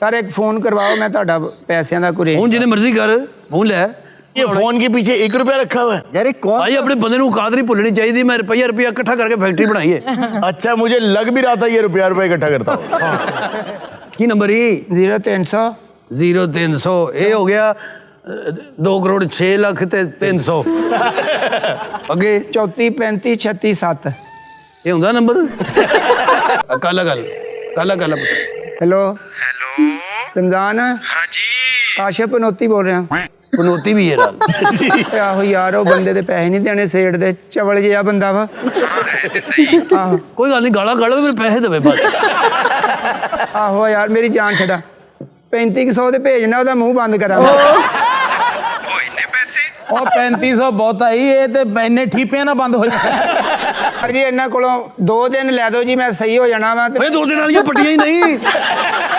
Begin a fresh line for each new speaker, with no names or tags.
Sir एक phone करवाओ, मैं ਤੁਹਾਡਾ ਪੈਸਿਆਂ ਦਾ ਕੋਈ
फोन जिन्हें मर्जी कर फोन ले।
ये फोन के पीछे 1 रुपया रखा हुआ है
यार कौन
भाई अपने बंदे को औकात नहीं भुलनी चाहिए। मैं रुपया इकट्ठा करके फैक्ट्री बनाई है।
अच्छा मुझे लग भी रहा था ये रुपया इकट्ठा करता हूँ।
की नंबर ही
0300
0300 ये हो गया 2 करोड़ 6 लाख ते 300 अगे
34 35 36 7।
ये होंदा नंबर काला गल हेलो
रमजान। हाँ जी काशिफ पनौती बोल रहा
पनौती भी है नाल
आहो यार वो बंदे दे पैसे नहीं देने सेठ दे चवल जिहा बंदा वा। आहो
कोई गल नहीं गाला गाला मेरे पैसे देवे बस।
आहो यार मेरी जान छड़ा 3500 दे भेजना ओदा मुंह बंद करा।
3500 बहुत आई ये ते इन्ने ठीपियां ना बंद हो जाए
जी इन्हां कोलों 2 दिन लै दो जी मैं सही हो जाना वा।
2 दिन वाली पट्टियां ही नहीं